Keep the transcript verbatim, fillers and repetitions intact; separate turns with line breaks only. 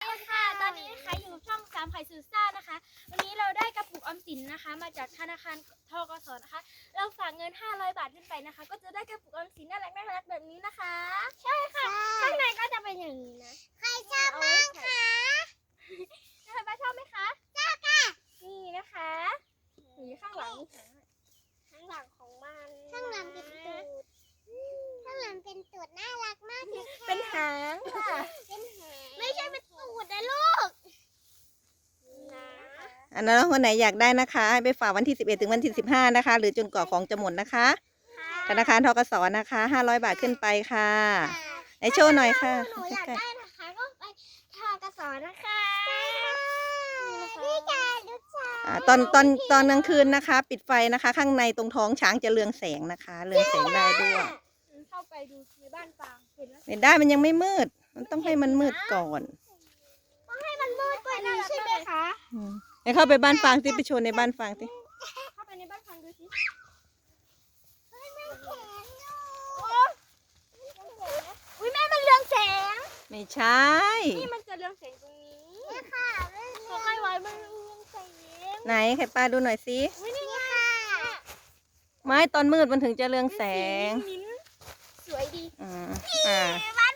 ดีค่ะตอนนี้นะคะอยู่ช่องสามไข่ซูซ่านะคะวันนี้เราได้กระปุกออมสินนะคะมาจากธนาคารทกสนะคะเราฝากเงินห้าร้อยบาทขึ้นไปนะคะก็จะได้กระปุกออมสินน่ารักน่ารักแบบนี้นะคะใช่ค่ะข้างในก็จะเป็นอย่างนี้นะใครชอบบ้างคะนะคะป้าชอบไหมคะชอบค่ะนี่นะคะนี่ข้างหลังข้างหลังของมันข้างหลังเป็นตูดข้างหลังเป็นตูดน่ารักมากเลยค่ะเป็นหางค่ะเป็นหางไม่ใช่เป็นตูดนะลูก
อันนั้นคนไหนอยากได้นะคะให้ไปฝากวันที่สิบเอ็ดถึงวันที่สิบห้านะคะหรือจนกว่าของจะหมดนะคะธนาคารทกสนะคะห้าร้อยบาทขึ้นไปค่ะไอโชว์หน่อยค่ะ
หนูอยากได้นะคะก็ไปทกสนะคะพี่ชายลูกชาย
อ่าตอนตอนตอนกลางคืนนะคะ ปิดไฟนะคะ ข้างในตรงท้องช้างจะเรืองแสงนะคะเรืองแสงได้ด้วย
เข้าไปดูในบ้านฟางเห็นไหม
ไม่ได้มันยังไม่มืดมันต้องให้มันมืดก่อน
ต้องให้มันมืดกว่านี้ใช่ไหมคะ
อืมไปเข้าไปบ้านฟางสิไปโชว์ในบ้านฟางสิ
เข้าไปในบ้านฟางดูสิอุ้ยแม่มันเรืองแสง
ไม่ใช่
นี่มันจะเรืองแสงตรงนี้นี่ค่ะเขาให้ไว้มันเรืองแสง
ไหนไข่ปลาดูหน่อยสิ
อุ้ยนี่ค่ะ
ไม้ตอนมืดมันถึงจะเรืองแสง
มิ้นสวยดี
อ่าอ่า
บ้าน